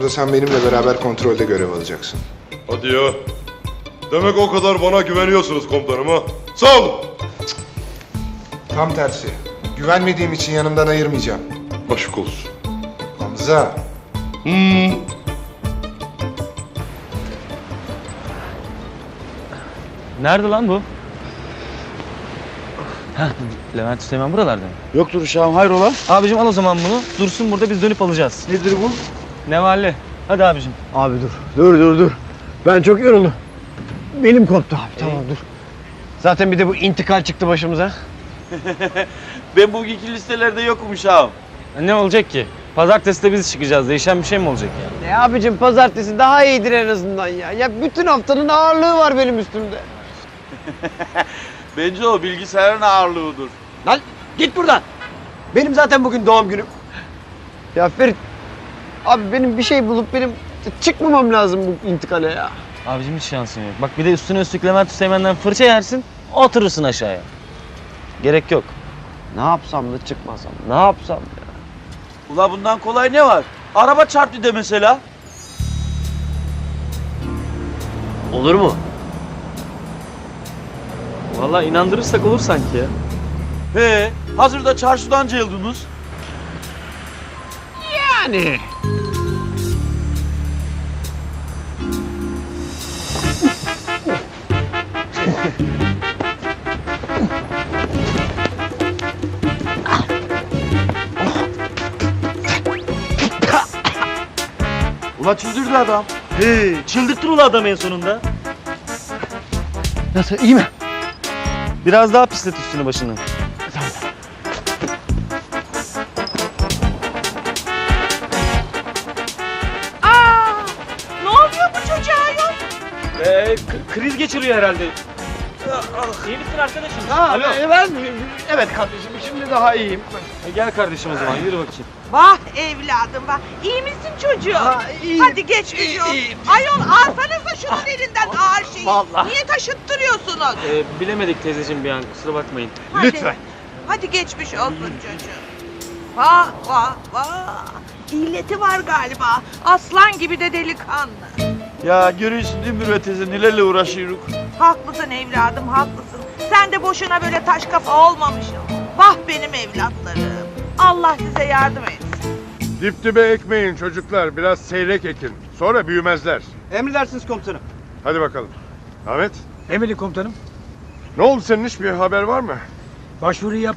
Sonunda sen benimle beraber kontrolde görev alacaksın. Hadi ya. Demek o kadar bana güveniyorsunuz komutanım ha. Sağ olun. Tam tersi. Güvenmediğim için yanımdan ayırmayacağım. Aşk olsun. Hamza. Nerede lan bu? Heh, Levent Süleyman buralarda mı? Yoktur uşağım, hayrola? Abicim al o zaman bunu. Dursun burada, biz dönüp alacağız. Nedir bu? Nevalli. Hadi abicim. Abi dur. Ben çok yoruldum. Benim koptu abi, tamam dur. Zaten bir de bu intikal çıktı başımıza. Ben bugünkü listelerde yokum uşağım. Ne olacak ki? Pazartesi de biz çıkacağız. Değişen bir şey mi olacak yani? Abicim pazartesi daha iyidir en azından ya. Ya bütün haftanın ağırlığı var benim üstümde. Bence o bilgisayarın ağırlığıdır. Lan git buradan. Benim zaten bugün doğum günüm. Ya Ferit, abi benim bir şey bulup benim çıkmamam lazım bu intikale ya. Abicim hiç şansın yok. Bak bir de üstüne üstlük Levent Süleyman'dan fırça yersin. Oturursun aşağıya. Gerek yok. Ne yapsam da çıkmasam, ne yapsam ya? Ula bundan kolay ne var? Araba çarptı de mesela. Olur mu? Vallahi inandırırsak olur sanki ya. He, hazırda çarşıdan cayıldınız. Yani. Ula çıldırdı adam. He, çıldırttın ula adam en sonunda. Nasıl, iyi mi? Biraz daha pislet üstünü başını. Ne oluyor bu çocuğa yok? Kriz geçiriyor herhalde. İyi misin arkadaşım? Alo. Evet kardeşim, şimdi daha iyiyim. Gel kardeşim o zaman, yürü bakayım. Vah evladım vah. İyi misin çocuğum? Hadi geç Ayol alsanıza şunun elinden ağır şeyi. Vallahi. Niye taşıttırıyorsunuz? Bilemedik teyzeciğim bir an, kusura bakmayın. Hadi. Lütfen. Hadi geçmiş olsun çocuğum. Vah vah vah. İlleti var galiba. Aslan gibi de delikanlı. Ya görüyorsun değil mi Mürvet teyze nelerle uğraşıyoruz. Haklısın evladım haklısın. Sen de boşuna böyle taş kafa olmamışsın. Vah benim evlatlarım. Allah size yardım etsin. Dip dibe ekmeyin çocuklar. Biraz seyrek ekin. Sonra büyümezler. Emredersiniz komutanım. Hadi bakalım. Ahmet. Emredin komutanım. Ne oldu senin, hiçbir haber var mı? Başvuruyu